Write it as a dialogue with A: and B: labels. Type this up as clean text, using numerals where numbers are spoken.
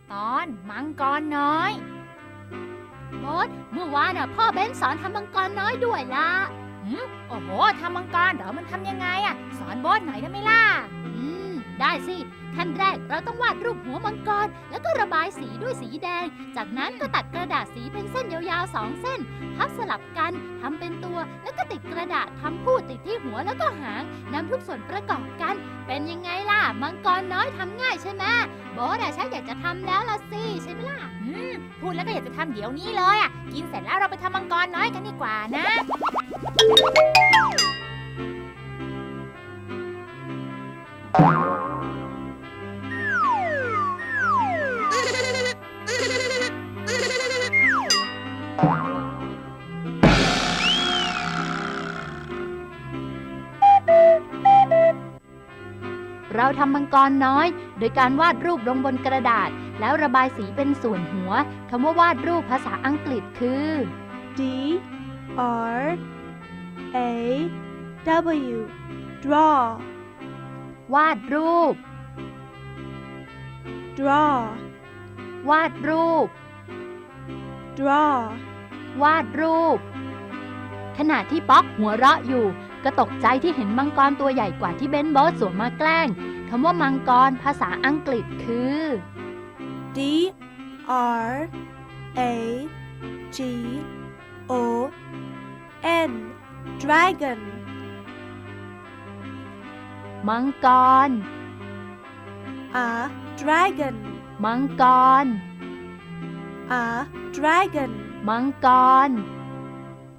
A: ตอนมังกรน้อยโบ๊ทเมื่อวานพ่อเบนสอนทำมังกรน้อยด้วยล่ะโอ้โหทำมังกรเหรอมันทำยังไงสอนโบ๊ทหน่อยได้ไหมล่ะได้สิขั้นแรกเราต้องวาดรูปหัวมังกรแล้วก็ระบายสีด้วยสีแดงจากนั้นก็ตัดกระดาษสีเป็นเส้นยาวๆ2 เส้นพับสลับกันทำเป็นตัวแล้วก็ติดกระดาษทำพูดติดที่หัวแล้วก็หางนำทุกส่วนประกอบกันเป็นยังไงล่ะมังกรน้อยทำง่ายใช่ไหมโบ๊ทฉันอยากจะทำแล้วล่ะสิใช่ไหมล่ะพูดแล้วก็อยากจะทำเดี๋ยวนี้เลยกินเสร็จแล้วเราไปทำมังกรน้อยกันดีกว่านะเราทำมังกรน้อยโดยการวาดรูปลงบนกระดาษแล้วระบายสีเป็นส่วนหัวคำว่าวาดรูปภาษาอังกฤษคือ
B: D R A W draw
A: วาดรูป
B: draw
A: วาดรูป
B: draw
A: วาดรูปขณะที่ป๊อกหัวเราะอยู่ก็ตกใจที่เห็นมังกรตัวใหญ่กว่าที่เบนโบ๊ทสวมมาแกล้งคำว่ามังกรภาษาอังกฤษคือ
B: D R A G O N dragon
A: มังกร
B: A dragon
A: มังกร
B: A dragon
A: มังกร